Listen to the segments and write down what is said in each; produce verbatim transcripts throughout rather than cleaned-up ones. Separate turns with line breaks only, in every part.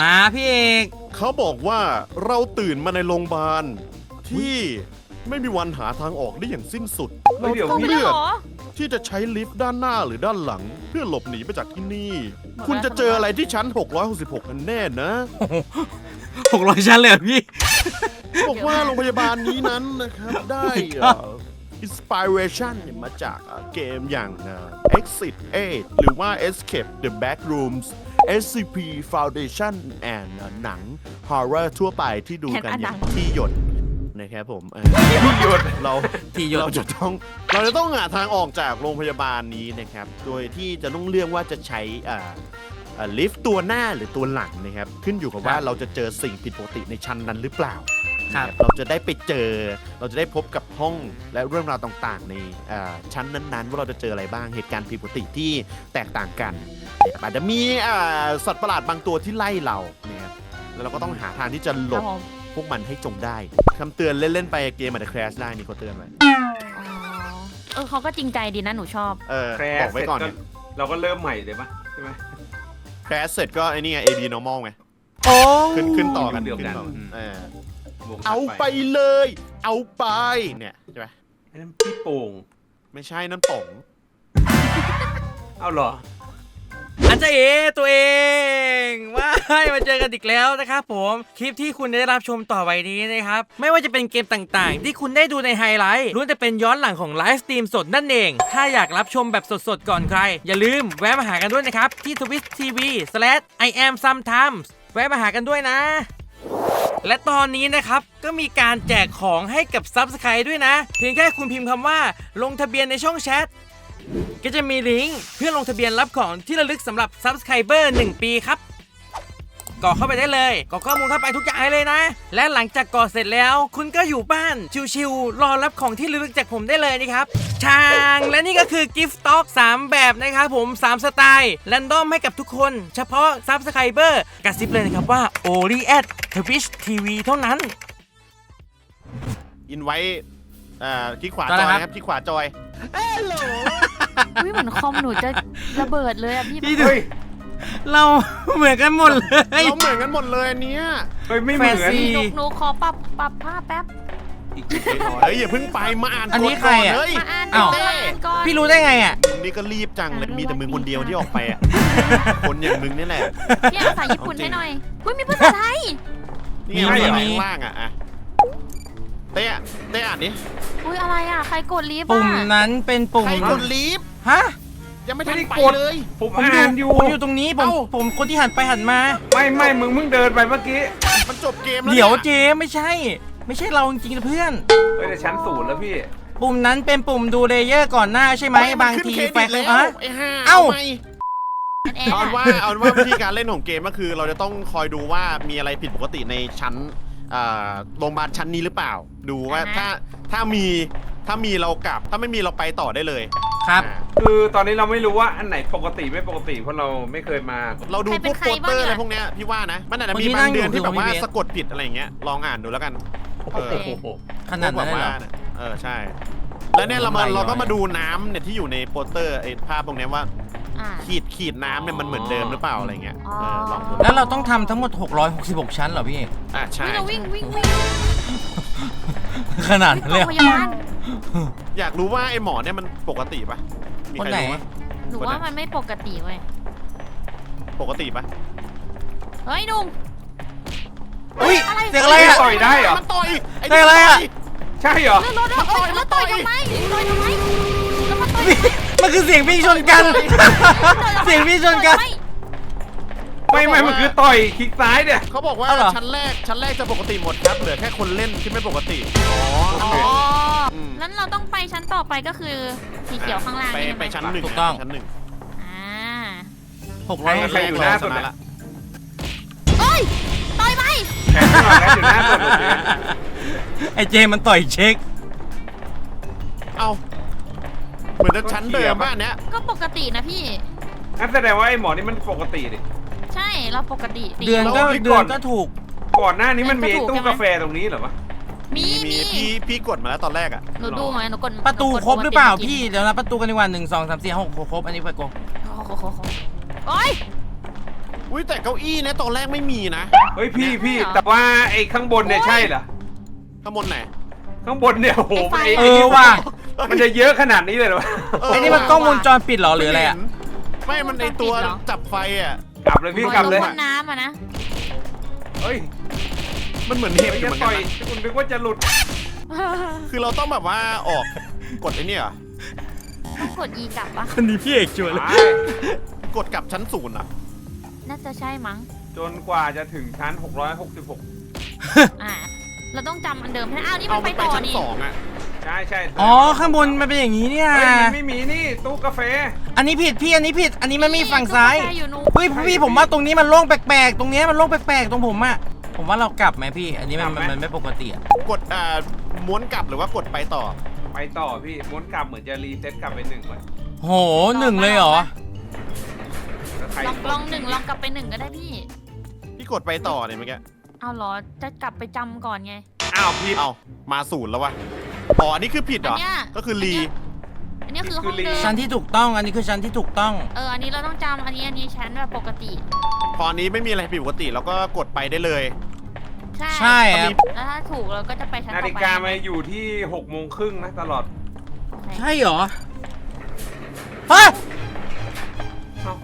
มาพี่เอก
เขาบอกว่าเราตื่นมาในโรงพยาบาลที่ไม่มีวันหาทางออกได้อย่างสิ้นสุดเราต้องเลือกที่จะใช้ลิฟต์ด้านหน้าหรือด้านหลังเพื่อหลบหนีไปจากที่นี่คุณจะเจออะไรที่ชั้นหกร้อยหกสิบหกกันแน่นะ
หกร้อยชั้นเลยพี่
บอกว่าโรงพยาบาลนี้นั้นนะครับได้อินสปิเรชันมาจากเกมอย่าง Exit เอ็ด หรือว่า Escape the Backrooms เอส ซี พี Foundation and หนัง Horror ทั่วไปที่ดูกันอย่างที่หยดนะครับผมที่หยดเราเราจะต้องเราจะต้องหาทางออกจากโรงพยาบาลนี้นะครับโดยที่จะต้องเลือกว่าจะใช้ลิฟต์ตัวหน้าหรือตัวหลังนะครับขึ้นอยู่กับว่าเราจะเจอสิ่งผิดปกติในชั้นนั้นหรือเปล่าเราจะได้ไปเจอเราจะได้พบกับห้องและเรื่องราวต่างๆในชั้นนั้นๆว่าเราจะเจออะไรบ้างเหตุการณ์ผิดปกติที่แตกต่างกันอาจจะมีสัตว์ประหลาดบางตัวที่ไล่เรานะครับแล้วเราก็ต้องหาทางที่จะหลบพวกมันให้จงได้คำเตือนเล่นๆไปเกมอาจจะแครชได้นี่เขาเตือนไว้
เออเขาก็จริงใจดีนะหนูชอบ
เออบอกไว้ก่อน
เราก็เริ่มใหม่เลยปะใช่ไหม
แครชเสร็จก็ไอ้นี่ไง เอ บี normal ไงขึ้นขึ้นต่อกันขึ้นต่อเอาไปเลยเอาไปเนี่ยใช่ไหม
นั่นพี่โป่ง
ไม่ใช่นั่นป๋อง
เอาเหรอ
อาจารย์เอตัวเองว่าให้มาเจอกันอีกแล้วนะครับผมคลิปที่คุณได้รับชมต่อไปนี้นะครับไม่ว่าจะเป็นเกมต่างๆที่คุณได้ดูในไฮไลท์ล้วนแต่เป็นย้อนหลังของไลฟ์สตรีมสดนั่นเองถ้าอยากรับชมแบบสดๆก่อนใครอย่าลืมแวะมาหากันด้วยนะครับที่ ทวิตช์ ที วี สแลช ไอ แอม ซัมไทมส์ แวะมาหากันด้วยนะและตอนนี้นะครับก็มีการแจกของให้กับ ซับสไครบ์ ด้วยนะเพียงแค่คุณพิมพ์คำว่าลงทะเบียนในช่องแชทก็จะมีลิงก์เพื่อลงทะเบียนรับของที่ระลึกสำหรับ ซับสไครเบอร์ หนึ่ง ปีครับกรอกเข้าไปได้เลยกรอกข้อมูลเข้าไปทุกอย่างเลยนะและหลังจากกรอกเสร็จแล้วคุณก็อยู่บ้านชิวๆรอรับของที่ระลึกจากผมได้เลยนะครับช่างและนี่ก็คือกิฟต์ต็อกสามแบบนะครับผมสามสไตล์แรนดอมให้กับทุกคนเฉพาะ ซับสไครเบอร์ กระซิบเลยนะครับว่า only at ทวิตช์ ที วี เท่านั้น
อินไว้อ่าคลิกขวาจอยครับคลิกขวาจอย
เอ้โหเหมือนคอมหนูจะระเบิดเลยอะพี่
พี่ดูเราเหมือนกันหมดเลย
เราเหมือนกันหมดเลยอันเนี้ย
เฮ้ยไม่เหมือน
หนูขอปรับปรับภาพแป๊บ
เฮ้ยอย่าเพิ่งไปมาอ่าน
อันนี้ใครอ่ะ
มาอ่านก่อน
พี่รู้ได้ไงอ่ะ
นี่ก็รีบจังเลยมีแต่มึงคนเดียวที่ออกไปอ่ะคนอย่างมึงนี่แหละ
พี่อ่านภาษาญี่ปุ่นให้หน่อยเฮ้ยมีภาษาไทย
นี่มีมีข้างล่างอ่ะเต้เต้อ่านดิ
อุ้ยอะไรอ่ะใครกดลิฟต์
ปุ่มนั้นเป็นปุ่ม
ใครกดลิฟต์
ฮะ
ยังไม่ทันไปเลย
ผมอ่านอยู่ผมอยู่ตรงนี้ผมผมคนที่หันไปหันมา
ไม่ไม่มึงมึงเดินไปเมื่อกี้
มันจบเกมแล้ว
เดี๋ยวเจไม่ใช่ไม่ใช่เราจริงๆนะเพื่อน
เฮ้ยแต่ชั้นศูนย์แล้วพี่
ปุ่มนั้นเป็นปุ่มดูเลเยอร์ก่อนหน้าใช่ไหมบางทีแฟก
เลย
ฮะ
เอ้าเอาว่าเอาว่าวิธีการเล่นของเกมก็คือเราจะต้องคอยดูว่ามีอะไรผิดปกติในชั้นโรงพยาบาลชั้นนี้หรือเปล่าดูว่าถ้าถ้ามีถ้ามีเรากลับถ้าไม่มีเราไปต่อได้เลย
ครับ
คือตอนนี้เราไม่รู้ว่าอันไหนปกติไม่ปกติเพราะเราไม่เคยมา
เราดูพวกโปสเตอร์อะไรพวกเนี้ยพี่ว่านะมันอาจจะมีบางเดือนที่แบบว่าสะกดผิดอะไรอย่างเงี้ยลองอ่านดูแล้วกัน
เออขนาดนั้นเลย
เออใช่แล้วเนี่ยเรามาเราก็มาดูน้ำเนี่ยที่อยู่ในโปสเตอร์ไอ้ภาพตรงนี้ว่าขีดขีดน้ำเนี่ยมันเหมือนเดิมหรือเปล่าอะไรเงี้ย
ลองดูแล้วเราต้องทำทั้งหมดหกร้อยหกสิบหกชั้นเหรอพี่
อ่าใช่
วิ่งวิ่งวิ่ง
ขนาดนั้นเลย
อยากรู้ว่าไอ้หมอเนี่ยมันปกติปะ
มีใครรู้ไหม
หนูว่ามันไม่ปกติเว้ย
ปกติปะ
เฮ้ยนุ่ม
อุ้ยเสียงอะไรอะ
ต่อยได้เหรอ
มันต่อย
เสียงอะไรอะ
ใช่เหรอ
มันต่อยมันต่อยทำไมต่อยทำไม
มันคือเสียงพี่ชนกันเสียงพี่ชนกัน
ไม่ไม่มันคือต่อยคลิกซ้ายเนี่ย
เขาบอกว่าชั้นแรกชั้นแรกจะปกติหมดครับเหลือแค่คนเล่นที่ไม่ปกติ
อ๋อนั้นเราต้องไปชั้นต่อไปก็คือสีเขียวข้างล่าง
ไปไปชั้นหนึ่ง
ถูกต้อง
ชั้นหนึ่ง
อ่า
หกร้อย
ใครอยู่หน้าสุดละ
เอ้ยต่อยไป
แข่งอยู่หน้าสุด
ไอเจมันต่อยเช็ค
เอาเหมือนจะชั้นเดิมบ้านเนี้ย
ก็ปกตินะพี่
นั่นแสดงว่าไอหมอนี่มันปกติดิ
ใช่เราปกติ
เดือนก็เดือนก็ถูก
ก่อนหน้านี้มันมีตู้กาแฟตรงนี้เหรอวะ
มีมี
พี่พี่กดมาแล้วตอนแรกอ่ะ
หนูดูไหมหนูกด
ประตูครบหรือเปล่าพี่เดี๋ยวนะประตูกันดีกว่าหนึ่งสองสามสี่หกครบอันนี้ไปกด
โอ้ย
อุ้ยแต่เก้าอี้นะตอนแรกไม่มีนะ
เฮ้ยพี่พี่แต่ว่าไอ้ข้างบนเนี่ยใช่เหรอ
ข้างบนไหน
ข้างบนเนี่ยโอ้โหมันไอ้
เออว่ะ
มันจะเยอะขนาดนี้เลยเหรอ
เออ
ไอ้นี่มันกล้องวงจรปิดเหรอหรืออะไรอ่ะ
ไม่มันในตัวจับไฟอ่ะ
กลับเลยพี่กลับเลย
บนน้ำอ่ะนะ
เฮ้ย
มันเหมือนเห็บ
ไม่
อยู่
จะ
เหมือน
ต่
กั
อน ย
นะ
คุณนึกว่าจะหลุด
คือเราต้องแบบว่าออกกดไอ้นี่เหรอ
ต้องกด E กลับปะ
คนนี้พี่เอกชัวร์เลย
กดกลับชั้นศูนย์อ่ะ
น่าจะใช่มั้ง
จนกว่าจะถึงชั้นหกร้อยหกสิบหก
อ่าเราต้องจำอันเดิมให้อ้าวนี่มั
เอา
น
ไป
ไป
ไป
ต่อ
ชั้น
นี่
สองอ่ะ
ใช่ใช่
อ๋อข้างบนมันเป็นอย่างนี้เนี่ย
เฮ้ยมันไม่มีนี่ตู้กาแฟ
อันนี้ผิดพี่อันนี้ผิด อันนี้มันมีฝั่งซ้าย
ก็ใช่อยู่นู้น
เฮ้ยพี่ผมว่าตรงนี้มันโล่งแปลกๆ ตรงเนี้ยมันโล่งแปลกๆ ตรงผมอะผมว่าเรากลับไหมพี่ อันนี้มันมันมันไม่ปกติอะ
กดอ่าม้วนกลับหรือว่ากดไปต่อ
ไปต่อพี่ม้วนกลับเหมือนจะรีเซ็ตกลับไปหนึ่งเลย
โหหนึ่งเลยเหรอ
แล้วใคร
ลองลองหนึ่งลองกลับไปหนึ่งก็ได้พี่
พี่กดไปต่อเนี่ยเมื่อกี้
เอาเหรอจะกลับไปจำก่อนไง
อ้าวผิด
เอามาศูนย์แล้ววะอ๋ออันนี้คือผิดเหรอ
อันเนี้ย
ก็คือรี
อันนี้คือห้องเดิม
ชั้นที่ถูกต้อง อันนี้คือชั้นที่ถูกต้อง
เอออันนี้เราต้องจำอันนี้อันนี้ชั้นแบบปกติ
พออันนี้ไม่มีอะไรผิดปกติเราก็กดไปได้เลย
ใช่
ใช่ครับ
แล้วถ้าถูกเราก็จะไปชั้นต่
นา
อไป
ฬิกามาอยู่ที่หกโมงครึ่งนะตลอด
โอเค
ใช่เหรอฮะ
เอ้า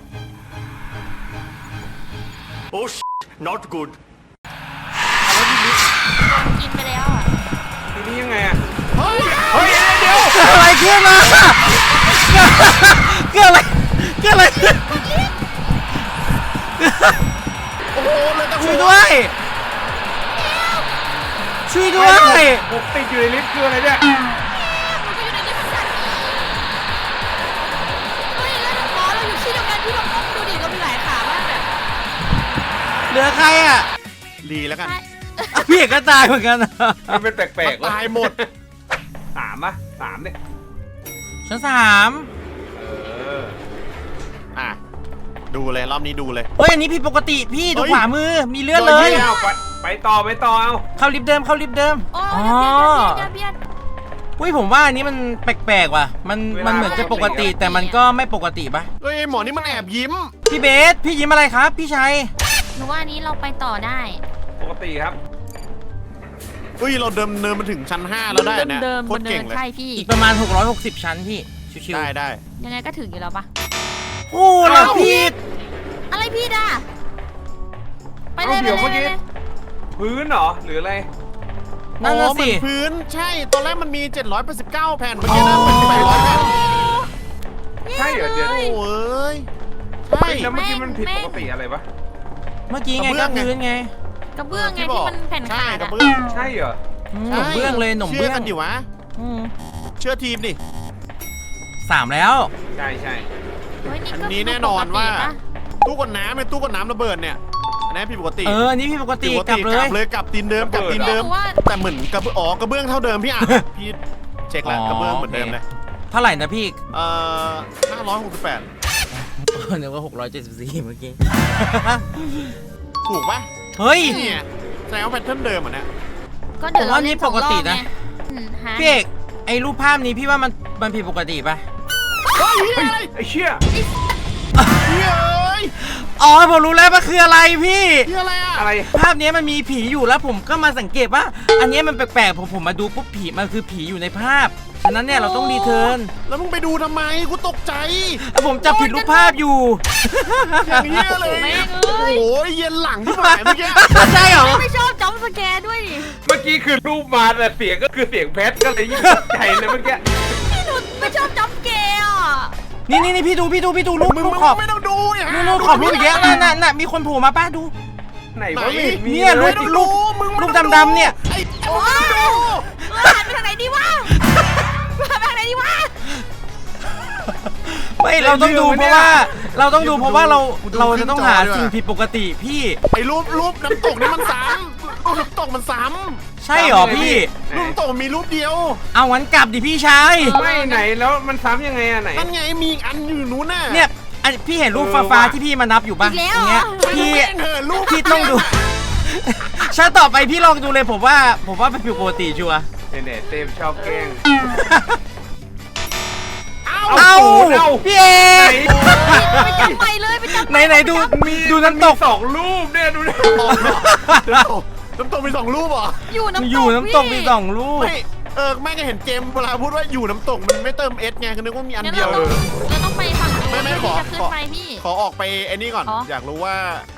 Oh not good.
กินไปแล้วอ่ะ
ทีนี้ยังไงอะ
เฮ้ย
เฮ้ยเดี๋ยว
เกิดอะไรขึ้นมาเกิดอะไรเกิดอะไรขึ้น
โอ้โหเลยแต่
ช่
หั
วยว ด้วย ช่วยด้วย
ผมติดอยู่ในลิฟต์คืออะไรเนี่ย
มันก็อยู่ในนี้เหมือนกันเฮ้ยแล้วหมอเราอยู่ที่เดียวกันที่เราต้องดูดิเรามีหลายขามากแบบ
เหลือใครอ่ะ
รีแล้วกัน
ใช่
พี่เอกก็ตายเหมือนกันอะ
มันเป็นแปลกๆ
ตายหมด
สามปะสามเนี่ย
ชั้นสาม
เออ
อ่ะดูเลยรอบนี้ดูเลย
เฮ้ยอันนี้ผิดปกติพี่ดู
เฮ้ย
ขวามือมีเลือดเลย
เอาไปไปต่อไปต่อเอา
เข้าลิฟต์เดิมเข้าลิฟต์เดิม
โอ้
อ๋
ย
อ
เบียดเบียดเบียดเบียด
อุ้ยผมว่าอันนี้มันแปลกๆว่ะ มันมันเหมือนจะปกติแต่มันก็ไม่ปกติปะ
เฮ้ยหมอนี่มันแอบยิ้ม
พี่เบสพี่ยิ้มอะไรครับพี่ชัย
หนูว่าอันนี้เราไปต่อได้
ปกติครับ
เฮ้ยเราเดิมเนินมาถึงชั้นห้าแล้วได้นะ
เดิม
โค
บ
ต
น
ร
เดิ
เก่ง
น
เลย
ใช่พี่
อีกประมาณหกร้อยหกสิบชั้นพี่ชิว
ได้ได้
ยังไงก็ถึงอยู่แล้วปะ
ๆโอ้เราผิด
อะไรพี่ด่าไปเลย
เอา
ไป
เดี๋ยว
เล
เมื่อย
ไป
กี้
เลย
พื้นเหรอหรืออะไร
นั่นน่ะ
อ๋อมั
สิ
พื้นใช่ตอนแรกมันมีเจ็ดร้อยแปดสิบเก้าแผ่นเมื่อกี้นะเป็นแปดร้อยแผ่น
ใช่เหรอเดี๋ยว
โอ้ยใช่
เฮ้ยแล้วเมื่อกี้มันผิดปกติอะไรปะ
เมื่อกี้ไง
กระ
ก็
เบื้องไง
พื้นไง
กระเบื้องไง
ที่บ
ที่
อก
มันแผ่น
ใช่
ขาด
กระ
อะ
เบื้อง
ใช่เหรอ
อืมหนมเบื้องเลยหนมเบื้อง
ชื่กันดิวะ
อืม
เชื่อทีมดิ
สามแล้ว
ใช่ใช่
เฮ้ย
อัน
ก็
นี้แน่นอนว่า
ปกติปะ
ตู้กดน้ำเป็นตู้กดน้ำระเบิดเนี่ยอันนี้ผิดปกติ
เอออันนี้พี่ปกติ
ผิดป
กลับเลย
เลยกลับตีนเดิมกลับตีนเดิม
หนูว่า
แต่เหมือนกระเบื้องอ๋อกระเบื้องเท่าเดิมพี่อ่ะ พี่เช็คแล้วกระเบื้องเหมือนเดิมเลย
เท่าไหร่นะพี่
เอ่อห้าร้อยหกสิบแปด
นึกว่าหกร้อยเจ็ดสิบสี่เมื่อกี้
ถูกปะ
เฮ้ย
เนี่ยแสดงว่าแพทเทิร์นเดิมอ่ะเนี่ย
ก็เดี๋ยว
ผม
เรา
ว่านี่
เล่นสอง
ปก
รอ
ติ
บ
นะ
ไงอืมหา
พี่เอกไอรูปภาพนี้พี่ว่ามันมันผิดปกติปะ
เฮ้ยเฮ้ยอะไร
ไอ้เชี่ย
เฮ้ย
อ๋อผมรู้แล้วมันคืออะไรพี่
เฮ้ยอะไรอ่ะ
อะไร
ภาพนี้มันมีผีอยู่แล้วผมก็มาสังเกตว่า อันนี้มันแปลกๆผมผมมาดูปุ๊บผีมันคือผีอยู่ในภาพฉะนั้นเนี่ยเราต้องรีเทิร์น
แล้วมึงไปดูทำไมกูตกใจ
แล้วผมจับผิดรูปภาพอยู่
อย่างเงี้ยเลย
แม่ง
โอ้
เอ้ย
โหเย็นหลังที่หมายเมื่อกี้
ใช่เหรอ
ไม่ชอบจัมป์สแกร์ด้วยดิ
เมื่อกี้คือรูปมาแต่เสียงก็คือเสียงแพทก็เลยยิ่งตกใจเลยเมื่อกี้
พี่หนูไม่ชอบจัมป์สแกร์อ่ะ
นี่นี่นี่พี่ดูพี่ดูพี่ดูรูป
มึง
รูป
มึง
ขอบ
ไม่ต้องดูเนี่ย
รูปรูปขอบรูปอย่างเงี้ยน่ะน่ะน่ะมีคนโผล่มาป้าดู
ไหนวะไม่เห็นมี
เนี่ย
เล
รู
ย
ป
ไม่ต้องดูมึงไม่ต้อง
รูปดำๆเนี่ย
ไอ้
โอ้ยเออหันไปทางไหนดีวะหันไปทางไหนดีวะ
ไม่เราต้องดูเพราะว่า เราต้องดูเพราะว่าเราเราจะต้องหาสิ่งผิดปกติพี่
ไอ้รูปรูปน้ำตกนี่มันซ้ำรูปน้ำตกมันซ้
ใช่เหรอพี่
ำรูปน้ำตกมันมีรูปเดียว
เอางั้นกลับดิพี่ชาย
ไม่ไหนแล้วมันซ้ำยังไงอะไหน
นั่นไงมีอีกอันอยู่นู้นน่ะ
เนี่ยอันพี่เห็นรูป
เออ
ฟ้าฟ้า
ว่ะ
ที่พี่มานับอยู่ปะ
อีกแล้ว
อย่างเงี้ย
เหรอ
พี่
แม่งเหอะรูป
พี่ต้องดู ชาต่อไปพี่ลองดูเลยผมว่าผมว่าเป็นผิดปกติชัวร์
เนี่ยเนี่ยเต็มชอบแกล้ง
เอ้า
เอ้า
เอ้า
พี่เอ
ไปจำใหม่เลยไปจำ
ไหนไหนดูดูน้ำตก
สองรูปเนี่ยดูดิ
น้ำตกน้ำตกมีสองรูปเหรอ
อยู่น้ำตก
อยู่น้ำตกมี
พี่
สองลูก
ไม่เออแม่ก็เห็นเจมส์เวลาพูดว่าอยู่น้ำตกมันไม่เติมเอสไงคือนึกว่ามีอัน
งั้น
เดีย
เรา
ว
ต้องเราต้องไปฝั่งนู้น
ไม่ไม่
เพื่อ
ขอ
ที่จะขึ้น
ขอ
ไปพี่
ขอออกไปไอ้นี่ก่อน
อ๋อ
อยากรู้ว่า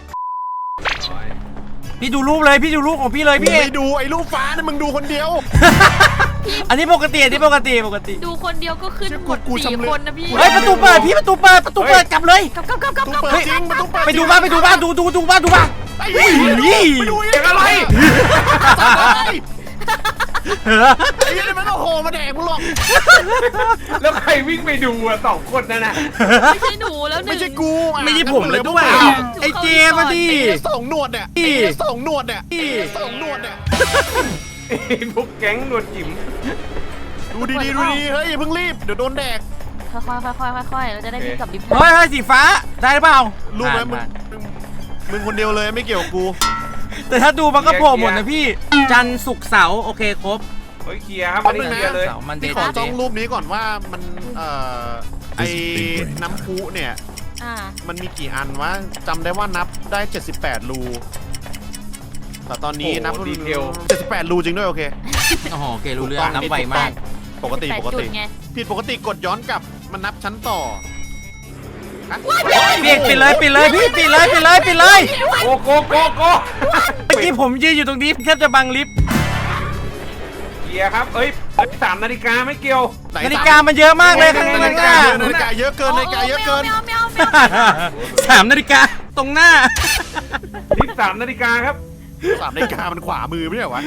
พี่ดูรูปเลยพี่ดูรูปของพี่เลย
กู
พี่เอ
ไม่ดูไอ้รูปฟ้านี่มึงดูคนเดียว
อันนี้ปกติอันนี้ปกติปกติ
ดูคนเดียวก็ขึ้น
เชื่อ
หมด
กู
สี่
จำเลย
คนนะพี่
เฮ้ยประตูเปิดพี่ประตูเปิดประตูเปิดกลับเลย
กลับกลับกลับกลับ
ตู้
กลับ
เปิดจริงมันต้องเปิด
ไปดูบ้านไปดูบ้านดูดูดูบ้านดูบ้าน
ไอ้
อุ้ย
ไปดู
เสียงอะไร
ไอ้ไอ้ยันมันก็โหมาแดกมึงหรอก
แล้วใครวิ่งไปดูอ่ะสองคนนั่นน่ะ
ไม่ใช่หนูแล้วหนึ่
ไม่
ง
ใช่กูอ่ะ
ไม่ใช่ผมเลยด้วยไอ้เจมาดิ
ไอ้สองหนวดเนี่ยไอ้สองหนวดเนี่ยไอ้สองหนวดเนี่ย
ไอ้พวกแก๊งหนวดจิ๋ม
ดูดีๆดูดีเฮ้ยอย่าเพิ่งรีบเดี๋ยวโดนแดก
ค่อยๆค่อยๆค่อยๆเราจะได้ขึ้นกับลิฟต์
เฮ้ยเฮ้ยสีฟ้าได้หรือเปล่า
รู้ไหมมึง
ผ่าน
มึงคนเดียวเลยไม่เกี่ยวกับกู
แต่ถ้าดูมันก็โผล่หมดนะพี่ จันทร์ศุกร์เสาร์โอเคครบ
เฮ้ยเคลียร์ครับอันนี้เคลียร์เลย
เสาร์มันเด
พี่
ย์
ขอ
เด
จ้อง
ย์
รูปนี้ก่อนว่ามันเอ่อไอ้น้ำพุเนี่ย
อ่า
มันมีกี่อันวะจำได้ว่านับได้เจ็ดสิบแปดรูแต่ตอนนี้นับเจ็ดสิบแปดรูจริงด้วยโอเค
โอ้โหโอเครู้เรื่องนับไวมาก
ปกติ
แปด
ปก
จุ
ติ
ดไง
ผิดปกติกดย้อนกลับมันนับชั้นต่ออะ
พี่เอกปิดเลยปิดเลยพี่ปิดเลยปิดเลยปิดเลย
โกโกโกโก
เมื่อกี้ผมยืนอยู่ตรงนี้แทบจะบังลิฟต์
เคลียร์ครับเอ้ยสามนาฬิกาไม่เกี่ยว
ไหน
นาฬิกามันเยอะมากเลยข้าง
นา
ห
ฬิกา
น้า
นาฬิกาเยอะเกินนาฬิกาเยอะเกิน
ไม่เอาไม่เอาไม่เอาไม่เอา
สามนาฬิกาตรงหน้า
ลิฟต์สามนาฬิกาครับ
สามนาฬิกามันขวามือไม่ใช่เหรอวะ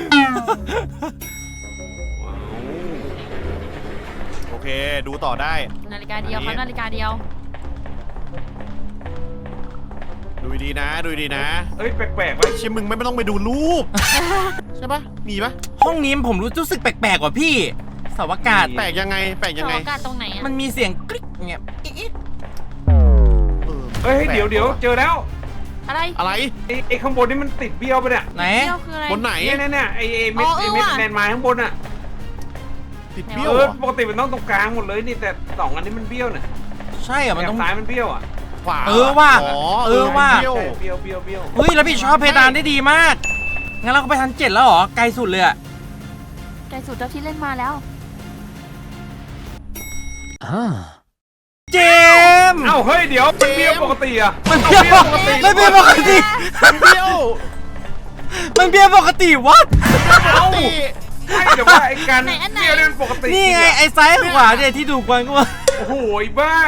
โอเคดูต่อได้
นาฬิกาเดียวครับนาฬิกาเดียว
ดูดีๆนะดูดีๆนะ
เอ้ยแปลกๆ
ไอ้
วะ
เชี่ยมึงไม่ไม่ต้องไปดูรูป ใช่ปะมีปะ
ห้องนี้ผมรู้สึกแปลกๆกว่าพี่เสาวากาศ
แปลกยังไงแปลกยังไง
อากาศตรงไหนอ่ะ
มันมีเสียงกริ๊กเงี้ย
เออ
เฮ้ยเดี๋ยวเดี๋ยวเจอแล้ว
อะไร
อะไร
ไอ้ไอ้ข้างบนนี่มันติดเบี้ยวไปะเนี่ย
ไหน
เดียวคืออะไร
บนไหน
เนี่ยเนี่ยเนี่ยไอ้ไอ้เม็ด
อ๋อเอ
ไอ้
อ
เม็ด
ว่ะ
แมนไม้ข้างบนอ่ะ
ติด
ไหน
เบี้
วะ
ยว
เอ
เหร
อ
อ
ปกติมันต้องตรงกลางหมดเลยนี่แต่สองอันนี้มันเบี้ยวเนี่ย
ใช่เหรอมันต้อง
ซ้ายมันเบี้ยวอ่ะ
ขวา
เออว่ะ
อ๋อ
เออว่ะ
เบี้ยว
ใช่เบี้ยวเบี้ยวเบี้ยว
เฮ้ยแล้วพี่ชอบเพดานได้ดีมากงั้นเราก็ไปทันเจ็ดแล้วเหรอไกลสุดเลยอะ
ไกลสุดเท่าที่เล่นมาแล้ว
เจมส์
เอ้าเฮ้ยเดี๋ยวมันเบี้ยวปกติอ่ะ
มันเบี้ยวปกติมันเบี้ยวปกติ
มันเบี้ยว
มันเบี้ยวปกติวะ
เอ้า
ใช่แต่ว่าไอ้การ
ไหนอันไหน
เบี้ยวนี่มันปกติ
นี่ไงไอ้ซ้ายกับขวาเนี่ยที่ดูกวนก็ว่า
โอ้โหไอ้บ้า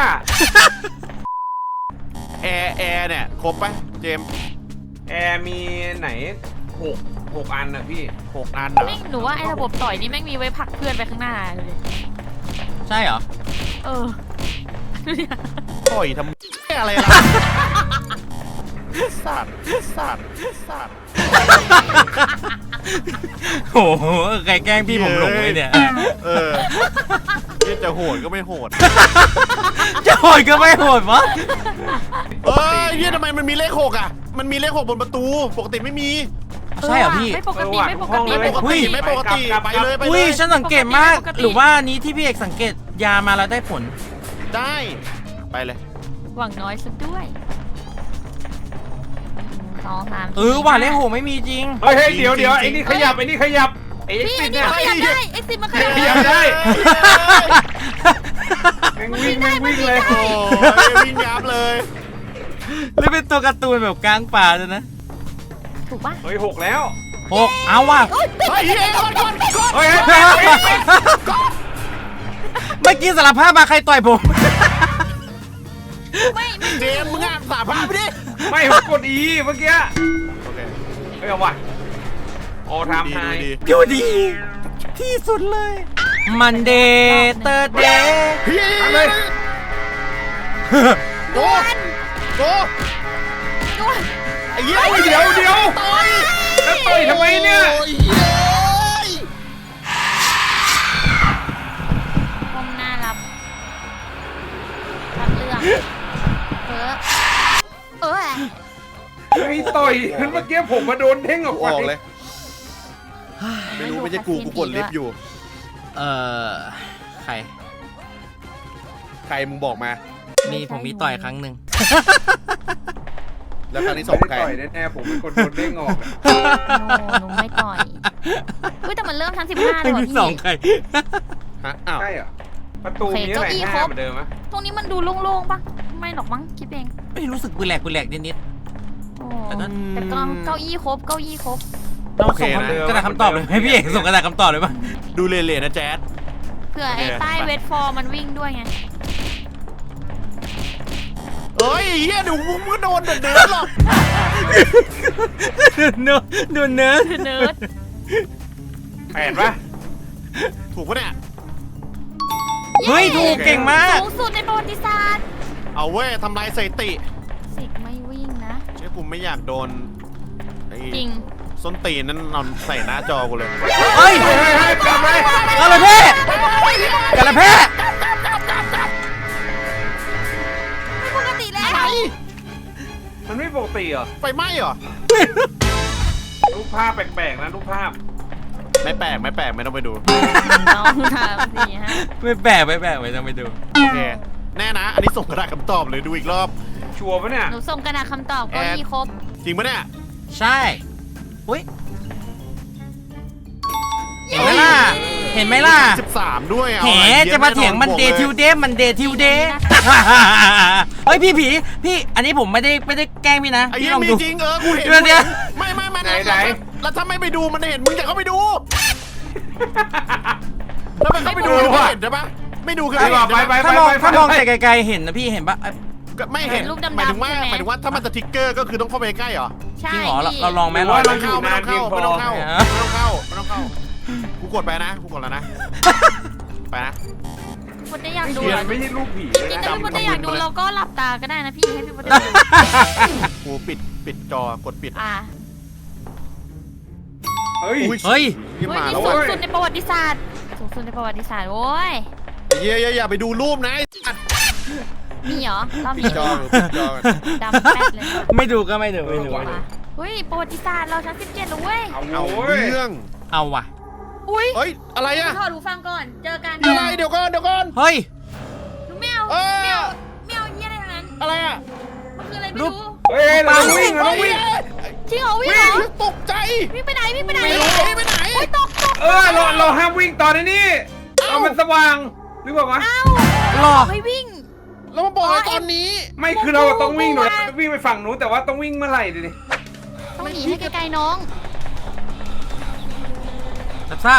แอร์แอร์เนี่ยครบปะเจมส์
แอร์มีไหนหกหกอันนะพี่
หกอันเหรอ
แม่งหนูว่าไอ้ระบบต่อยนี่แม่งมีไว้ผลักเพื่อนไปข้างหน้าเลย
ใช่เหรอ
เออ
ต่อยทำแค่อะไรล่ะสัตว์สัตว์สัตว์
โอ้โหใครแกล้งพี่ผมหลงเลยเนี่ย
เออที่จะโหดก็ไม่โหด
จะโหดก็ไม่โหดวะ
เอ้ยเฮียทำไมมันมีเลขหกอ่ะ มันมีเลขหกบนประตู ปกติไม่มี
ใช่เหรอพี่
ไม่ปกติไม่ปกติ
ไม่ปกติไม่ปกติไปเลยไปเล
อุ้ย
ย
ฉันสังเกตมาก
ปกติ
หรือว่านี้ที่พี่เอกสังเกตยามาแล้วได้ผล
ได้ไปเลย
หวังน้อยสักด้วยสองสาม
เออว่าเลขหกไม่มีจริง
เฮ้ยเฮ้ยเดี๋ยวเดี๋ยวไอ้นี่ขยับไอ้นี่ขยับไอ้
พี่
สิ
ไอ้
เนี่ย
นี่ขยับได้ไอ้สิมันขยับ
ขยับ
ได้
ได้ แม่งวิ่งแม่งวิ่งเลย
โอ้ยวิ่งยับเลย
หรือเป็นตัวการ์ตูนแบบกลางป่าเลยนะ
ถูกปะ
เฮ้ยหกแล้ว
หกเอาว่ะ
เฮ้ยเฮ้ยก่อนก่อนก่อน
เฮ้ยเฮ้ยเฮ้ยเฮ้ย
เมื่อกี้สารภาพมาใครต่อยผม
ไม่ไม่
เจมส์มึงอ่ะสาภาพไปดิ
ไม่ผมกดอีเมื่อกี้
โอเค
เฮ้ยเอาว่ะโอ้ทำไฮ
ดูดี
ดูดี ที่สุดเลย มันเดย์เตอร์เดย์
เฮ้ย
เอาเลย
โกโก
ตัว
ไอ้เหี้ย
เฮ้ยเดี๋ยวเดี๋ยว
ต่อย
แล้วต่อยทำไมเนี่ย
โอ้เย้ย
ก้มหน้ารับรับเรื่องเออเออ
เฮ้ยต่อยเมื่อกี้ผมมาโดนเด้งออก
กู
ไป
ออกเลย ไม่รู้ไม่ใช่กูกูกดลิฟต์อยู่
เอ่อ ใคร
ใครมึงบอกมา
มีผมมีต่อยครั้งหนึ่ง
แล้วครั้งที่ส
ไม่
อง
ได้
ใคร
ต่อยแน่ๆผมเป็นคนโดนเด้งออกอะ
โนหนูไม่ต่อยอุ้ยแต่มันเริ่มชั้นสิบห้า
ค
เลย
รั้ง
ว่ะ
ที่
พี่
สองใคร
ฮะอ้าว
ใช่เหรอประตูมี
โอ
อะ
เค
ไหร
เก้าอี้
ห้า
ครบ
เหมือนเดิมไหม
ตรงนี้มันดูโล่งๆปะไม่หรอกมั้งคิดเอง
ไม่รู้สึกปืนแหลกปืนแหลกนิด
โอ้
แต่นั้น
แต่ก็เก้าอี้ครบเก้าอี้ครบ
ๆต้องส่งกระดาษคำตอบเลยให้พี่เอกส่งกระดาษคำตอบเลยป่ะ
ดูเละๆนะแจ๊ด
เผื่อไอ้
โอเค
ใต้เวทฟอร์มันวิ่งด้วยไง
เอ้ยเฮียเดี๋ยวมึงก็โดนเดินหรอก
ดูดูเนื้อ
เนิร์ด
แปดปะ
ถูกปะเนี่ย
เฮ้ยถูกเก่งมาก
สูงสุดในประวัติศาสตร์
เอาเว้ยทำลายสถิติ
สิกไม่วิ่งนะ
เชื่อกูไม่อยากโดนไอ้
จริง
ส้นตีนนั่นนอนใส่หน้าจอกูเลย
เฮ้ย
เฮ้ยเฮ้ยเฮ้ยกลับไป
กระเพาะกระเพาะ
ปกติแล้ว
มันไม่ปกติเหรอ
ไฟไหม้เหรอ
รูปภาพแปลกๆนะรูปภาพ
ไม่แปลกไม่แปลกไม่ต้องไปดู
น้องถามสิฮะ
ไม่แปลกไม่แปลกไม่ต้องไปดู
โอเค แน่นะ อันนี้ส่งกระดาษคำตอบเลยดูอีกรอบ
ชัวร์ปะเนี่ย
หนูส่งกระดาษคำตอบเก้าอี้ครบ
จริงปะเนี่ย
ใช่อุ้ยเห็นไหมล่ะเห็นไหมล่ะ
สิบสามด้วยเอา
แหม
อะไร
จะมาเถียงมันเด
บวกล
ทิวเดมันเดทิวเดเฮ้ยพี่ผีพี่อันนี้ผมไม่ได้ไม่ได้แกล้งพี่นะ
ไอ้
พี่
เหี้ย
ลอง
มี
ดู
จริงเออ กูเห็น
เดี๋ยวเดี๋ยว
ไม่ไม่ไม่
ไหนไหน
แล้วถ้าไม่ไปดูมันเห็นมึงอยากเข้าไปดู แล้วมันเข้าไปดู
ไม่ดู
มัน
อะ
เห็นใช่ปะไม่ดูคือ
ไป
ไม่เห็น
ไป
ใช่
ไป
ปะ
ถ้ามองถ้ามองแต่ไกลๆเห็นนะพี่เห็นปะ
ก็ไม่เห็น
รูปดำๆ
หมายถึงว่า
ใช่ไหม
หมายถึงว่าถ้ามันจะทิกเกอร์ก็คือต้องเข้าไปใกล้เหรอ
ใช่
จริงเหรอเรา
พี่
เราลองไหม
หรื
ล
อ
อง
ว่า
ไหม
ไม่ต้องเข้าไม่ต้องเข้าไม่ต้องเข้า
เออ
ไม่ต้องเข้าไม่ต้องเข้ากูกดไปนะกูกดแล้วนะไปนะ
พี่พุทธได้อยากดู
เขีย
เหร
น
อ
ไม่ใช่รูปผี
จริงๆ
นะ
ถ้าพี่พุทธได้อยากดูเราก็หลับตาก็ได้นะพี่ให้พี่พุทธดู
กูปิดปิดจอกดปิด
อ่ะ
เฮ้ย
เฮ้ย
ที่
เฮ้ย
มา
นี่
แล้ว
สู
ว่ะ
งสุดในประวัติศาสตร์สูงสุดในประวัติศาสตร์โว้ย
เย้ยอย่าไปดูรูปนะไอ้สัตว์
มีเหรอรอบ
ปิด
นี้
จอปิดจอ
ดำแป๊ดเลย
ไม่ดูก็ไม่ดูไม่ดู
ว่ะเฮ้ยประวัติศาสตร์เราชั้นสิบเจ็ดแล้วเว้ย
เอา
เอา
โว้ย
เรื่อง
เอาว่ะ
อุ้ย
เฮ้ยอะไรอะ
ถอดหูฟังก่อนเจอกัน
อะไรเดี๋ยวก่อนเดี๋ยวก่อน
เฮ้ย
หนูไม่เอา
เออ
ไม่เอาไม่เอาเยี่ยอะไรทั้งนั้น
อะไรอะ
มันคืออะไรไม่
รูป
รู้
เฮ้ยเราต้องวิ่งเราต้องวิ่ง
จริงเหรอวิ่ง
วิ่
เห
ง
รอ
ตกใจ
วิ่งไปไหนวิ่งไปไหน
ไม่รู้ไปไหน
โอ๊ยตกตก
เออเราเราห้ามวิ่งตอนนี้เอามันสว่างหรือเปล่าวะ
อ้าว
หลอก
ให้วิ่ง
แล้วมาบอกไอ้ตอนนี้
ไม่คือเราต้องวิ่งหน่อยวิ่งไปฝั่งนู้นแต่ว่าต้องวิ่งเมื่อไหร่ดิ
ต้องหนีให้ไกลๆน้อง
รับทราบ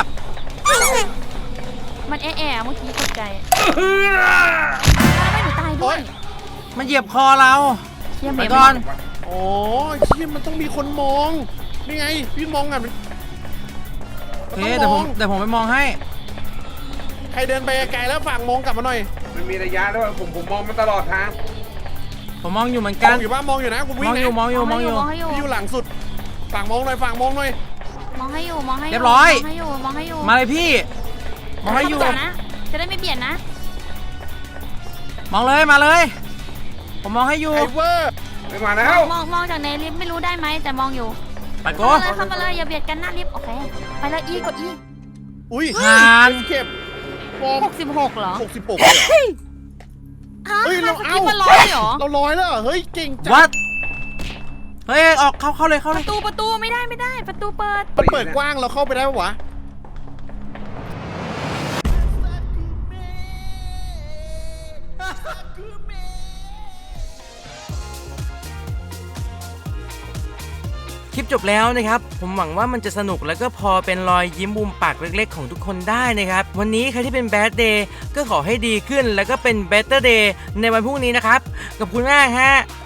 มันแอะๆเมื่อกี้ตกใจ
เออ
ทำไมหนูตายด้วย
มันเหยียบคอเรา
เชี่ย
ไป
เมม
ก่อน
โอ้ยเชี่ยมันต้องมีคนมองนี่ไงพี่มองอ่ะมัน
โอเคเดี๋ยวผมเดี๋ยวผมไปมองให้
ใครเดินไปไกลแล้วฝากมองกลับมาหน่อย
มันมีระยะแล้วผมผมมองมันตลอดทาง
ผมมองอยู่เหมือน
ม
กั
อน งอยู่บ้านมองอยู่นะกูวิ่
ม
ง
องอยู่ม
นะ
องอยู่มองอยู่
มองให้อยู่
พี่อยู่หลังสุดฝากมองหน่อยฝากมองหน่อย
มองให้อยู่มองให้อยู่
เรียบร้อย
มองให้อยู่มองให้อยู่
มาเลยพี่ มองให้อยู่
เดี๋วนะจะได้ไม่เบียดนะ
มองเลยมาเลย ผมมองให้อยู่
ไอเวอร์
ไม่มาแล้ว
มองมองจากในลิฟต์ไม่รู้ได้ไหมแต่มองอยู่
ไปโก
เข้ามาเลยเข้ามาเลยอย่าเบียดกันหน้าลิฟต์โอเคไปแล้วอีกดอี
อุ้ย
ผ่าน
เก็บฟอร์ม
หกสิบหกเหรอ
หกสิบหกเลยเหรอ
ฮะ
เฮ้ยเรา
สกิ
เอ้า
ปมันร้อยเหรอ
เราลอยแล้วเหรอเฮ้ยเก่งจั
วั
ง
ดเฮ้ยออกเข้าเข้าเลยเข้า
ป
เลย
ระตูประตูไม่ได้ไม่ได้ ประตูเปิด
มันเปิดกว้างเราเข้าไปได้ปะวะ
คลิปจบแล้วนะครับ ผมหวังว่ามันจะสนุกแล้วก็พอเป็นรอยยิ้มมุมปากเล็กๆของทุกคนได้นะครับ วันนี้ใครที่เป็น Bad Day ก็ขอให้ดีขึ้นแล้วก็เป็น Better Day ในวันพรุ่งนี้นะครับขอบคุณมากฮะ